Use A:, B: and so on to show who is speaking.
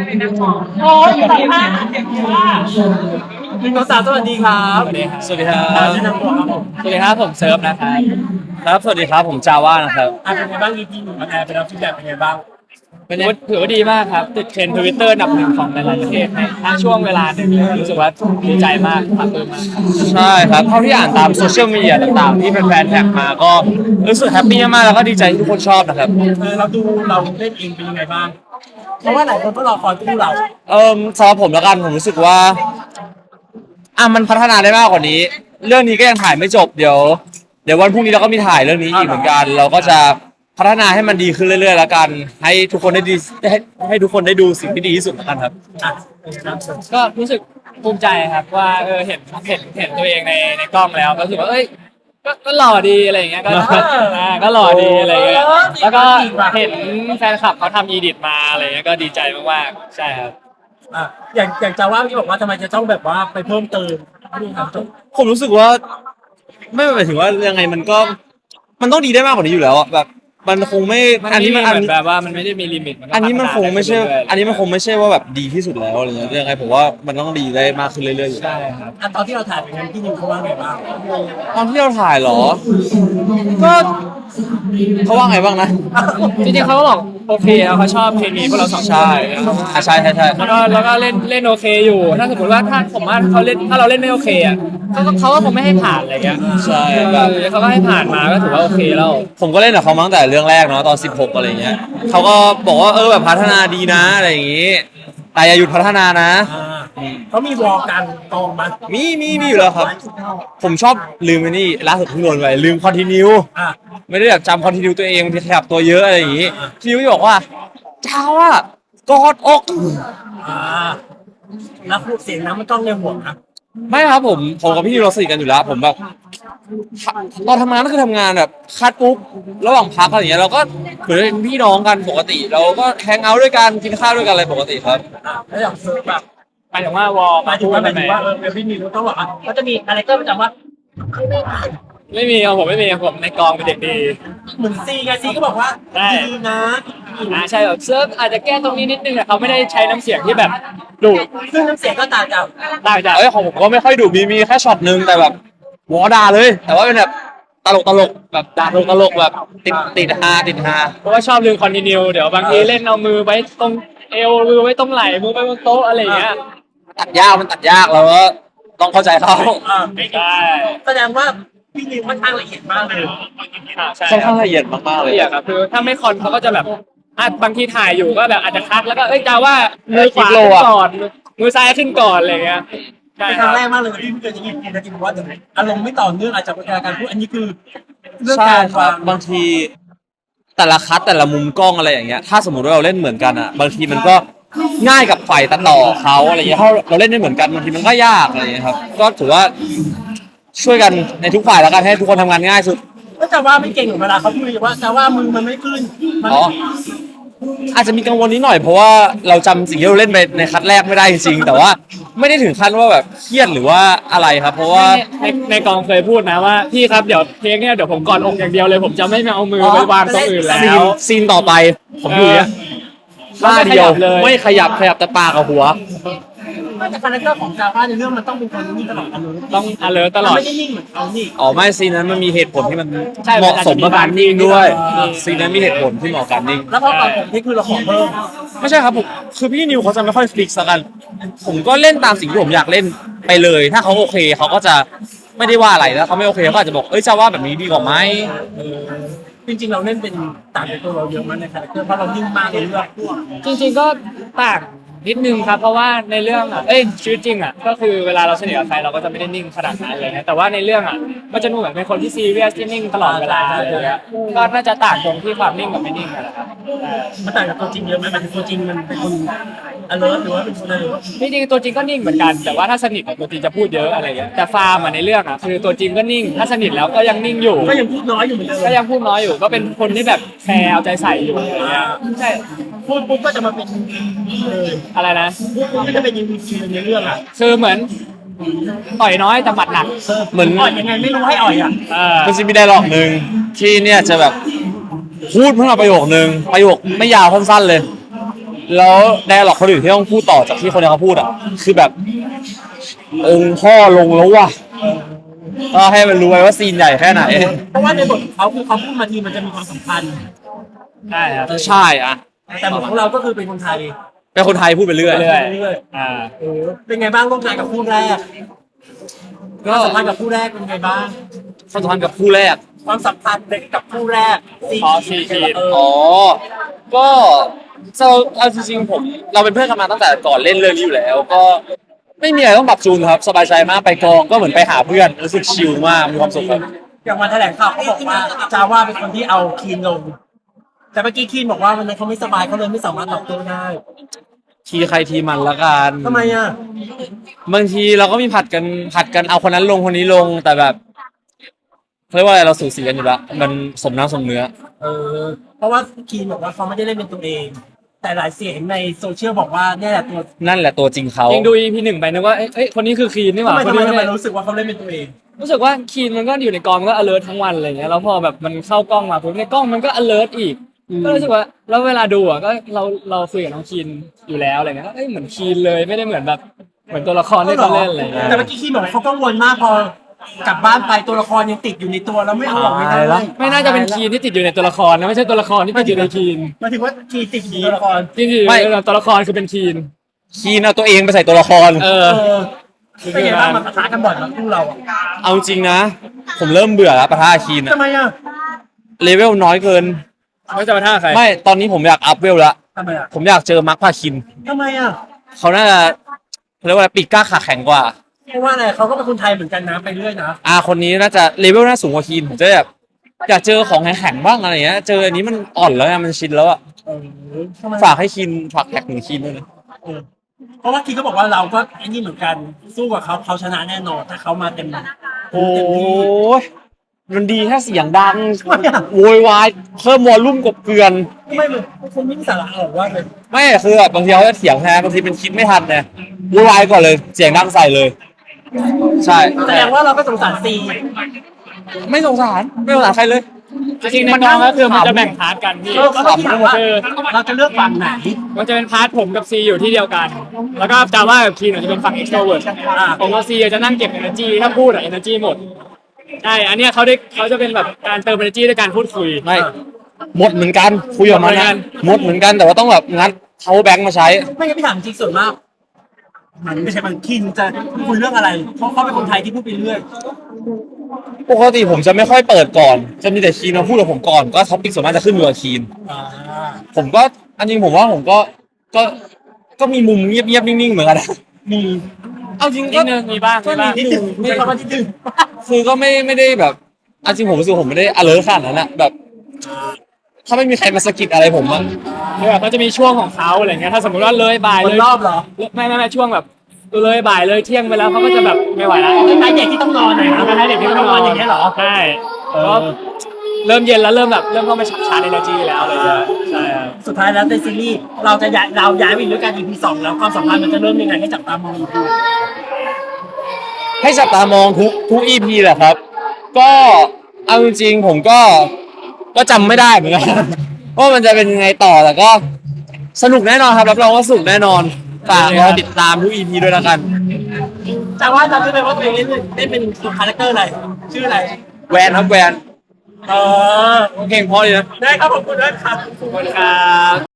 A: โอ้ยสองพัน
B: 1 2 3สวัสดีครับ
C: สวัสดีครับ
B: แนะนำตัวครับผม
C: สวัสดีครับผมเซิร์ฟนะครับครับสวัสดีครับผมจาว่านะครับ
B: เป็นไงบ้าง EP หนึ่งแอร์ไปแล้วฟีดแบ็กเป็นไงบ้าง
C: ถือว่าดีมากครับติดเทรนด์ Twitter อันดับหนึ่งของหลายๆประเทศในทั้งช่วงเวลาหนึ่งเลยรู้สึกว่าดีใจมากปลาบปลื้มมากใช่ครับเท่าที่อ่านตามโซเชียลมีเดียต่างๆที่แฟนๆแท็กมาก็รู้สึกแฮปปี้มากแล้วก็ดีใจที่ทุกคนชอบนะครับ
B: เราเล่นเองเป็นยังไงบ้างเพราะว่าหลายคนก็รอคอยคู่เรา
C: สำหรับผมแล้วกันผมรู้สึกว่ามันพัฒนาได้มากกว่านี้เรื่องนี้ก็ยังถ่ายไม่จบเดี๋ยววันพรุ่งนี้เราก็มีถ่ายเรื่องนี้อีกเหมือนกันเราก็จะพัฒนาให้มันดีขึ้นเรื่อยๆแล้วกันให้ทุกคนได้ดีให้ทุกคนได้ดูสิ่งที่ดีที่สุดแล้วกันครับก็รู้สึกภูมิใจครับว่าเห็นตัวเองในกล้องแล้วก็รู้สึกว่าก็หล่อดีอะไรอย่างเงี้ยก็หล่อดีอะไรอย่างเงี้ยแล้วก็เห็นแฟนคลับเขาทำอีดิทมาอะไรเงี้ยก็ดีใจมากๆใช่ครับ
B: อย่างจาว่าที่บอกว่าทำไมจะต้องแบบว่าไปเพิ่มเติม
C: ผมรู้สึกว่าไม่หมายถึงว่ายังไงมันต้องดีได้มากกว่านี้อยู่แล้วแบบมันคงไม่อันนี้มันแบบว่ามันไม่ได้มีลิมิตอันนี้มันคงไม่ใช่ว่าแบบดีที่สุดแล้วอะไรเงี้ยยังไงผมว่ามันต้องดีได้มากขึ้นเรื่อยๆอยู่ใช่ครับ
B: ตอนที่เราถ่ายเป็นไงพี่นิวเขาว่าไงบ้าง
C: ตอนที่เราถ่ายเหรอก็เขาว่าไงบ้างนะจริงๆเขาก็บอกโอเคเขาชอบเคมีพวกเราสองคนใช่แล้วก็เล่นโอเคอยู่ถ้าสมมติว่าถ้าเราเล่นไม่โอเคอ่ะเขาก็คงไม่ให้ผ่านอะไรเงี้ยใช่แบบเขาก็ให้ผ่านมาก็ถือว่าโอเคแล้วผมก็เล่นกับเขามาตั้งแต่เรื่องแรกเนาะตอน16อะไรเงี้ยเขาก็บอกว่าแบบพัฒนาดีนะอะไรอย่างงี้แต่อย่าหยุดพัฒนานะ
B: เขามีวอลกันกองมา
C: มีอยู่แล้วครับผมชอบลืมไอ้นี่ล่าสุดเพิ่งโดนไปลืมคอนติเนียไม่ได้แบบจำคอนติเนียตัวเองบางทีขยับตัวเยอะอะไรอย่างงี้พี่ยุ้ยบอกว่าเจ้าอะกอดอก
B: แล้วพูดเสียงน้ำมันต้องในหัวครับ
C: ไม่ครับผมกับพี่นิวเราสนิทกันอยู่แล้วผมแบบตอนทำงานก็คือทำงานแบบคัดปุ๊บระหว่างพักอะไรอย่างเงี้ยเราก็เหมือนเป็นพี่น้องกันปกติเราก็แฮงเอาท์ด้วยกันกินข้าวด้วยกันอะไรปกติครับ
B: แล้วอย่างแบบ
C: หมายถึงว่าวอล
B: หมายถึงว่าพี่นิวต้องบอกว่าเขาจะมีคาแรคเตอร์ประจำว่า
C: ไม่มีผมไม่มีผมในกองเป็นเด็กดี
B: เหมือนซีก็บอกว่าดีนะ
C: ใช่แบบเซิร์ฟอาจจะแก้ตรงนี้นิดนึงแต่เขาไม่ได้ใช้น้ำเสียงที่แบบดุ
B: ซึ่งน้ำเสียงก็ต่างจาก
C: ของผมก็ไม่ค่อยดุมีแค่ช็อตนึงแต่แบบวอด่าเลยแต่ว่าเป็นแบบตลกแบบด่าตลกแบบติดฮาเพราะว่าชอบลืมคอนติเนียเดี๋ยวบางทีเล่นเอามือไว้ตรงเอวมือไว้ตรงไหล่มือไว้บนโต๊ะอะไรอย่างเงี้ยมันตัดยากแล้วก็ต้องเข้าใจเขา
B: ใช่แสดงว่าพี่นิวค่อนข้างละเอียดมากเลย
C: ค่อนข้างละเอียดมากๆเลยครับคือถ้าไม่คอนเขาก็จะแบบบางทีถ่ายอยู่ก็แบบอาจจะคัดแล้วก็จะว่ามือขวาขึ้นก่อนมือซ้ายขึ้นก่อนอะไรเงี้ย
B: เป็นครั้งแรกมากเลยที่เกิดอย่างนี้จริงๆว่าอารมณ์ไม่ต่อเนื่องอาจจะเป็นการพูดอันนี้คือ
C: เรื่องการบางทีแต่ละคัดแต่ละมุมกล้องอะไรอย่างเงี้ยถ้าสมมติว่าเราเล่นเหมือนกันอ่ะบางทีมันก็ง่ายกับฝ่ายตัดต่อเขาอะไรเงี้ยถ้าเราเล่นไม่เหมือนกันบางทีมันก็ยากอะไรเงี้ยครับก็ถือว่าช่วยกันในทุกฝ่ายแล้วกันให้ทุกคนทำงานง่ายสุด
B: ก็จะว่าไม่เก่งเหมือนเวลาเขาพูดว่าจะว่ามือมันไม่ขึ้น
C: อาจจะมีกังวลนิดหน่อยเพราะว่าเราจำสิ่งที่เราเล่นไปในคัดแรกไม่ได้จริงแต่ว่าไม่ได้ถึงขั้นว่าแบบเครียดหรือว่าอะไรครับเพราะว่าในกองเคยพูดนะว่าพี่ครับเดี๋ยวเพลงเนี่ยเดี๋ยวผมกอดอกอย่างเดียวเลยผมจะไม่เอามือไปวางตรงอื่นแล้วซีนต่อไปผมอยู่เนี่ยท่าเดียวไม่ขยับแต่ปากกับหัว
B: แต่คาแรคเตอร์ของจาว่าในเรื่องมันต้องเป็นคนนิ่งตลอด
C: ต้องalertตลอด
B: ไม่ได้นิ่งเหมือนเขานี่
C: ไม่ซีนนั้นมันมีเหตุผลที่มันเหมาะสมกับการนิ่งด้วยซีนนั้นมีเหตุผลที่เหมาะกับการนิ่ง
B: แล้วพอตอนผมนี่คือเราขอเพิ่ม
C: ไม่ใช่ครับผมคือพี่นิวเขาจะไม่ค่อยฟิกซ์กันผมก็เล่นตามสิ่งที่ผมอยากเล่นไปเลยถ้าเขาโอเคเขาก็จะไม่ได้ว่าอะไรแล้วเขาไม่โอเคเขาอาจจะบอกจะว่าแบบนี้ดีกว่าไหม
B: จริงๆเราเล่นเป็นต่างจากตัวเราเยอะมากในคาแรคเตอร์เพราะเรานิ่งมากในเรื่อง
C: จริงๆก็ต่างนิดนึงครับเพราะว่าในเรื่องชีวิตจริงก็คือเวลาเราสนิทกับใครเราก็จะไม่ได้นิ่งขนาดนั้นเลยนะแต่ว่าในเรื่องมันจะดูเหมือนเป็นคนที่ซีเรียสที่นิ่งตลอดเวลาเลยก็น่าจะต่างตรงที่ความนิ่งกับไม่นิ่งนะครับ
B: มันต่างจากตัวจริงเยอะไหมมันตัวจริงมันเป็นคนalert หรือว่าเป็นคนอะไร
C: จริงๆตัวจริงก็นิ่งเหมือนกันแต่ว่าถ้าสนิทกับตัวจริงจะพูดเยอะอะไรอย่างเงี้ยแต่ฟาร์มในเรื่องคือตัวจริงก็นิ่งถ้าสนิทแล้วก็ยังนิ่งอยู่
B: ก็ยังพูดน้อยอยู่เหมือนเดิม
C: ก็ยังพูดน้อยอยู่ก็เป็นคนที่แบบแคร์เอาใจใส่อยู่อะไรเงี้ย
B: ใช่พูดปุ๊บก็จะมาเป็น
C: อะไรนะ
B: พูดก็จะเป็นยิงทีในเรื่อง
C: คือเหมือนต่อยน้อยแต่หมัดหนัก
B: เหมือนอ่อยยังไงไม่รู้ให้อ่อย
C: มันจะมีไดร็อกหนึ่งที่เนี่ยจะแบบพูดเพิ่งมาประโยคนึงประโยคไม่ยาวสั้นๆเลยแล้วไดอะล็อกคนอื่นที่ต้องพูดต่อจากที่คนนี้เขาพูดอ่ะคือแบบองค์พ่อลงแล้วว่ะก็ให้มันรู้ไว้ว่าซีนใหญ่แค่ไหน
B: เพราะว่าในบทของเขาคือเขาพูดมาทีมันจะมีความสำคัญ
D: ใช่ครับ
C: ใช่อ่ะ
B: แต่บทของเราก็คือเป็นคนไทย
C: เป็นคนไทยพูดไปเรื่อย
D: เรื่อย
B: เรื่อย
D: อ่า
B: เป็นไงบ้างร่วมงานกับคู่แรก
C: ก็
B: ความสัมพันธ์กับคู่แรกเป็นไงบ้าง
C: ความสัมพันธ์กับคู่แรก
B: ความสัมพันธ์กับคู่แรก
D: ซีคีน
C: อ๋อ ก็เอาจริงๆเราเป็นเพื่อนกันมาตั้งแต่ก่อนเล่นเรื่องนี้อยู่แล้ว ก็ไม่มีอะไรต้องปรับจูนครับ สบายใจมากไปกองก็เหมือนไปหาเพื่อนรู้สึกชิลมากมีความสุขครับ
B: อย่างวันแถลงข่าวเขาบอกว่าจาว่าเป็นคนที่เอาคีนลง แต่เมื่อกี้คีนบอกว่าวันนั้นเขาไม่สบายเขาเลยไม่สามารถตอบโต้ได้
C: ทีใครทีมันละกัน
B: ทำไมอ่ะ
C: บางทีเราก็มีผัดกันเอาคนนั้นลงคนนี้ลงแต่แบบเรียกว่าอะไรเราสูสีกันอยู่แล้วมันสมน้ำสมเนื้อ
B: เพราะว่าคีนบอกว่าเขาไม่ได้เล่นเป็นตัวเอง แต่หลายเสียงในโซเชียลบอกว่าเนี่ยแหละตัว
C: นั่นแหละตัวจริงเขา
D: ยังดู EP 1ไปนึกว่าเอ้ยคนนี้คือคีนนี่หว่า
B: ทำไม
D: คนนี้
B: ทำไม
D: ไม่
B: รู้สึกว่าเขาเล่นเป็นตัวเอง
D: รู้สึกว่าคีนมันก็อยู่ในกองมันก็ alert ทั้งวันอะไรเงี้ยแล้วพอแบบมันเข้ากล้องมาปุ๊บในกล้องมันก็ alert อีกก็รู้สึกว่าแล้วเวลาดูอ่ะก็เราคุยกับน้องคีนอยู่แล้วอะไรเงี้ยก็เอ้ยเหมือนคีนเลยไม่ได้เหมือนแบบเหมือนตัวละครที่เขาเล่นอะไรเงี้ย
B: แต่เมื่อกี้คีนบอกว่าเขากังวลมากพอกลับบ้านไปตัวละครยังติดอยู่ในตัวแล้วไม่เอาออกไม่ได้
D: ไม่น่าจะเป็นคีนที่ติดอยู่ในตัวละครนะไม่ใช่ตัวละครที่ติดอยู่ในคีน
B: หมายถึงว่าคีนติดอยู่ในตัวละคร
D: ที่ติดอยู่ในตัวละครคือเป็นคีน
C: คีนเอาตัวเองไปใส่ตัวละคร
D: เออ
B: เป็นไงบ้างมันปะทะกันบ่อยมากคู่เราอ่ะ
C: เอาจริงนะ ผมเริ่มเบื่อแล้วปะทะคีนอะ
B: ทำไมอ่ะ
C: เลเวลน้อยเกิน
D: ไม่จะมาท่าใคร
C: ไม่ตอนนี้ผมอยากอัพเวลแล้ว
B: ทำไมอ่ะ
C: ผมอยากเจอมาร์คพาคิน
B: ทำไมอ่ะ
C: เขาน่าจะเรียกว่าอะไรปีกกล้าขาแข็งกว่า
B: เพราะว่าอะไรเขาก็เป็นคนไทยเหมือนกันนะไปเรื่อยนะ
C: คนนี้น่าจะเลเวลน่าสูงกว่าคีนผมจะแบบอยากเจอของแข็งๆบ้างอะไรเงี้ยเจออันนี้มันอ่อนแล้วไงมันชินแล้วอะ
B: ทำไม
C: ฝากให้คีนฝากแท็กหนึ่งคีนด้วยนะ
B: เพราะว่าคีนก็บอกว่าเราก็ไอ้นี่เหมือนกันสู้กับเขาชนะแน่นอนถ้าเขามาเต็ม
C: โอ้
B: เต็มที่
C: ยมันดีแค่เสียงดัง
B: ทำไมอ่ะ
C: โวยวายเพิ่มวอลลุ่มกบเกลือน
B: ทำไมมันคนไม่มีสาระหรอกว่าเลย
C: ไม่คือแบบบางทีเขาจะเถียงแทนบางทีเป็นคิดไม่ทันเนี่ยโวยวายก่อนเลยเสียงดังใส่เลย ใช่
B: แสดงว่าเราก็สงสารซี
C: ไม่สงสารใครเลย
D: จริงๆในกองก็คือมันจะแบ่งพาร์ทกันพี่
B: เขาก็ถามว่าเราจะเลือกฝั่งไหน
D: มันจะเป็นพาร์ทผมกับซีอยู่ที่เดียวกัน แล้วก็จาว่ากับคีนจะเป็นฝั่ง extrovert ผมกับซีจะนั่งเก็บ energy ถ้าพูดอะ energy หมดใช่อันเนี้ยเขาจะเป็นแบบการเติม energy ด้วยการพูดคุย
C: ไม่หมดเหมือนกันคุยออกมา
D: หมดเหมือนกั
C: นะ
D: น
C: หมดเหมือนกันแต่ว่าต้องแบบงัดเขาแบงค์มาใช้
B: ไม่งั้นพี่ถามจริงส่วนมากมันไม่ใช่มันคินจะคุยเรื่องอะไรเพราะเขาเป็นคนไทยที่พูดไปเรื่อย
C: ปกติผมจะไม่ค่อยเปิดก่อน จะมีแต่คีนมาพูดกับผมก่อนก็ท็อปิกส่วนมากจะขึ้นอยู่กับคีน ผมก็อันจริงผมว่าผมก็มีมุมเงียบๆนิ่งๆเหมือนกันนะ
B: มี
C: เอาจริง
D: นิดนึงมีบ้าง
C: ก็มี
B: นิดนึงมีคำว่านิดนึง
C: คือก็ไม่ได้แบบเอาจริงผมรู้สึกผมไม่ได้ alert ขนาดนั้นอะแบบ ถ้าไม่มีใครมาสะกิดอะไรผมอะ
D: เนี่ยเขาจะมีช่วงของเขาอะไรเงี้ยถ้าสมมติว่าเลยบ่าย
B: บ
D: เล
B: น
D: ย
B: รอบเหรอ
D: ไม่ช่วงแบบเลยบ่ายเลยเที่ยงไปแล้วเขาก็จะแบบไม่ไหวแล้ว
B: คล้ายๆเด็กที่ต้องนอนหน่อยนะคล้ายๆเด็กที่ต้องนอนอย่างเงี้ยเหรอ
D: ใช่ก็เริ่มเย็นแล้วเริ่มเข้ามาชาร์จ energy แล้วอะไรเงี้ยใช่ครับ
B: สุดท้ายแล้วในซีรีส์เราย้ายไปด้วยกัน EP 2แล้วความสัมพันธ์มันจะเริ่มยังไงให้จับตามองดู
C: ให้จับตามองทุก EP แหละครับ ก็เอาจริงๆผมก็จำไม่ได้เหมือนกัน ว่ามันจะเป็นยังไงต่อแต่ก็สนุกแน่นอนครับรับรองว่าสนุกแน่นอนฝากรอติดตามทุก EP ด้วยแล้วกัน
B: แต่ว่าจำได้ไหมว่าตัวเองเล่นเป็นคาแรคเตอร์อะไรชื่ออะไร
C: แวนครับแวน
B: เออ
C: เพลงเพราะดีนะ
B: ได้ครับขอบคุณด้วยครับ
D: ขอบคุณครับ